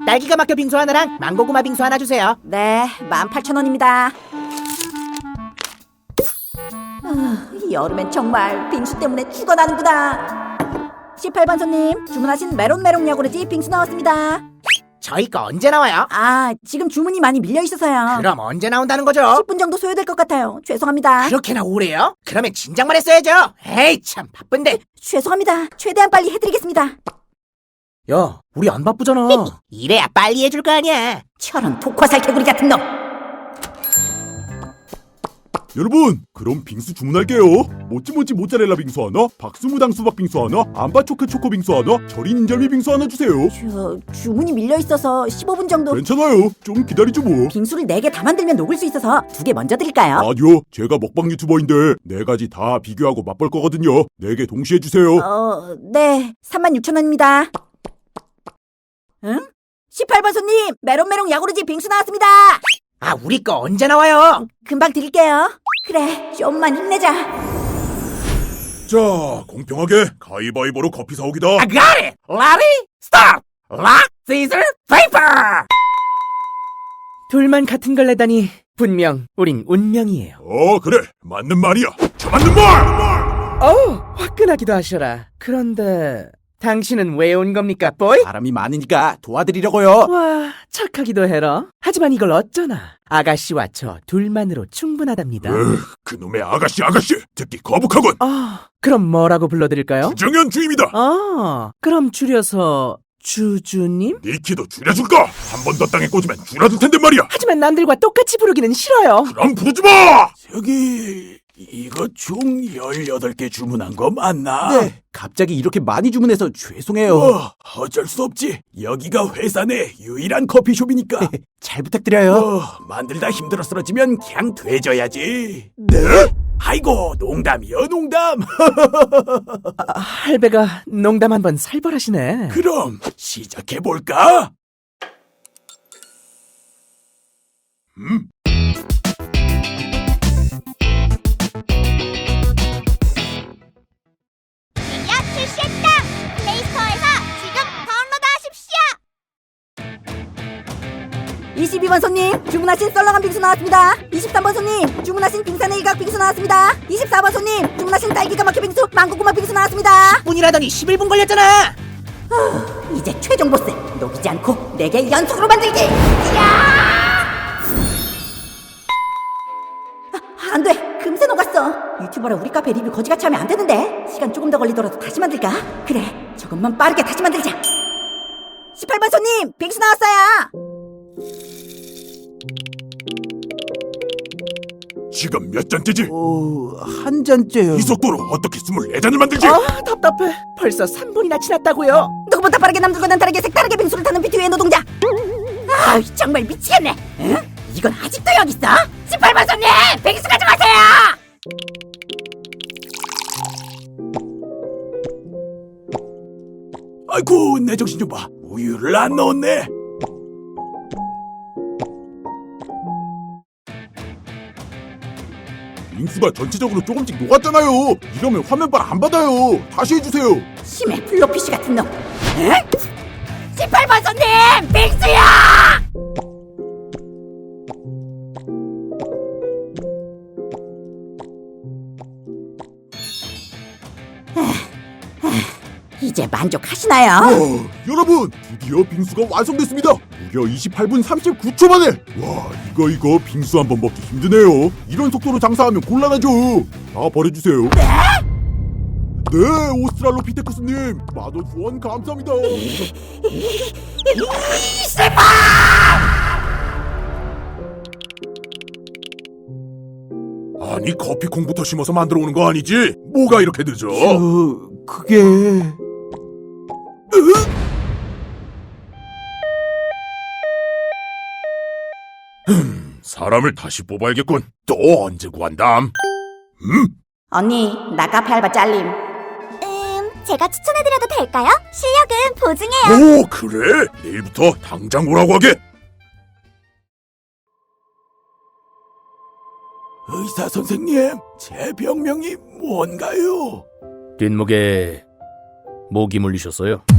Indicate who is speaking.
Speaker 1: 딸기가 막혀 빙수 하나랑 망고구마 빙수 하나 주세요.
Speaker 2: 네, 18,000원입니다. 여름엔 정말 빙수 때문에 죽어나는구나. 18번 손님, 주문하신 메론메롱 야구르지 빙수 나왔습니다.
Speaker 1: 저희 거 언제 나와요?
Speaker 2: 아, 지금 주문이 많이 밀려있어서요.
Speaker 1: 그럼 언제 나온다는 거죠?
Speaker 2: 10분 정도 소요될 것 같아요. 죄송합니다.
Speaker 1: 그렇게나 오래요? 그러면 진작만 했어야죠. 에이 참 바쁜데.
Speaker 2: 죄송합니다. 최대한 빨리 해드리겠습니다.
Speaker 1: 야, 우리 안 바쁘잖아. 이래야 빨리 해줄 거 아니야.
Speaker 2: 저런 독화살 개구리 같은 놈.
Speaker 3: 여러분, 그럼 빙수 주문할게요. 모찌모찌 모짜렐라 빙수 하나, 박스무당 수박 빙수 하나, 암바초크 초코 빙수 하나, 절인 인절미 빙수 하나 주세요.
Speaker 2: 주문이 밀려있어서 15분 정도.
Speaker 3: 괜찮아요. 좀 기다리죠 뭐.
Speaker 2: 빙수를 4개 다 만들면 녹을 수 있어서 2개 먼저 드릴까요?
Speaker 3: 아니요, 제가 먹방 유튜버인데 4가지 다 비교하고 맛볼 거거든요. 4개 동시에 주세요.
Speaker 2: 네. 36,000원입니다. 응? 18번 손님, 메론메롱 야구르지 빙수 나왔습니다.
Speaker 1: 아, 우리 거 언제 나와요?
Speaker 2: 금방 드릴게요. 그래, 좀만 힘내자.
Speaker 3: 자, 공평하게 가위바위보로 커피 사오기다.
Speaker 1: I got it! Ready? Start! Rock, scissors, paper! 둘만 같은 걸 내다니 분명 우린 운명이에요.
Speaker 3: 그래, 맞는 말이야. 저 맞는 말!
Speaker 1: 화끈하기도 하셔라. 그런데 당신은 왜 온 겁니까, 보이?
Speaker 4: 사람이 많으니까 도와드리려고요.
Speaker 1: 와, 착하기도 해라. 하지만 이걸 어쩌나. 아가씨와 저 둘만으로 충분하답니다.
Speaker 3: 그놈의 아가씨 듣기 거북하군.
Speaker 1: 그럼 뭐라고 불러드릴까요?
Speaker 3: 주정현 주임이다.
Speaker 1: 그럼 줄여서 주주님?
Speaker 3: 네 키도 줄여줄까? 한 번 더 땅에 꽂으면 줄어들 텐데 말이야.
Speaker 1: 하지만 남들과 똑같이 부르기는 싫어요.
Speaker 3: 그럼 부르지 마!
Speaker 4: 저기 이거 총 18개 주문한 거 맞나? 네. 갑자기 이렇게 많이 주문해서 죄송해요. 어쩔 수 없지. 여기가 회사 내 유일한 커피숍이니까. 잘 부탁드려요. 만들다 힘들어 쓰러지면 그냥 되져야지. 네? 아이고, 농담이요, 농담.
Speaker 1: 할배가 농담 한번 살벌하시네.
Speaker 4: 그럼 시작해볼까?
Speaker 5: 야 출시했다! 플레이스토어에서 지금 다운로드하십시오!
Speaker 2: 22번 손님, 주문하신 썰렁한 빙수 나왔습니다. 23번 손님, 주문하신 빙산의 일각 빙수 나왔습니다. 24번 손님, 주문하신 딸기가 막혀 빙수, 망고구마 빙수 나왔습니다.
Speaker 1: 10분이라더니 11분 걸렸잖아.
Speaker 2: 이제 최종 보스, 녹이지 않고 4개 연속으로 만들기! 안 돼! 금세 녹았어! 유튜버라 우리 카페 리뷰 거지같이 하면 안 되는데? 시간 조금 더 걸리더라도 다시 만들까? 그래, 조금만 빠르게 다시 만들자! 18번 손님, 빙수 나왔어요!
Speaker 3: 지금 몇 잔째지?
Speaker 4: 한 잔째요.
Speaker 3: 이 속도로 어떻게 24잔을 만들지?
Speaker 1: 답답해. 벌써 3분이나 지났다고요.
Speaker 2: 누구보다 빠르게 남들과는 다르게 색다르게 빙수를 타는 비트위의 노동자! 정말 미치겠네! 응? 이건 아직도 여기 있어? 18번 손님! 빙수 가져가세요!
Speaker 4: 아이고, 내 정신 좀 봐. 우유를 안 넣었네.
Speaker 3: 빙수가 전체적으로 조금씩 녹았잖아요. 이러면 화면발 안 받아요. 다시 해주세요.
Speaker 2: 심해 블로피쉬 같은 놈! 응? 18번 손님! 빙수야! 이제 만족하시나요?
Speaker 3: 여러분, 드디어 빙수가 완성됐습니다. 무려 28분 39초 만에. 와, 이거 빙수 한번 먹기 힘드네요. 이런 속도로 장사하면 곤란하죠. 다 버려주세요. 네, 오스트랄로피테쿠스님, 만원 후원 감사합니다. 아니, 커피콩부터 심어서 만들어 오는 거 아니지? 뭐가 이렇게 늦어?
Speaker 4: 그게...
Speaker 3: 사람을 다시 뽑아야겠군. 또 언제 구한담?
Speaker 2: 언니, 나 카페 알바 잘림.
Speaker 5: 제가 추천해드려도 될까요? 실력은 보증해요.
Speaker 3: 오, 그래? 내일부터 당장 오라고 하게.
Speaker 4: 의사 선생님, 제 병명이 뭔가요?
Speaker 6: 뒷목에 모기 물리셨어요?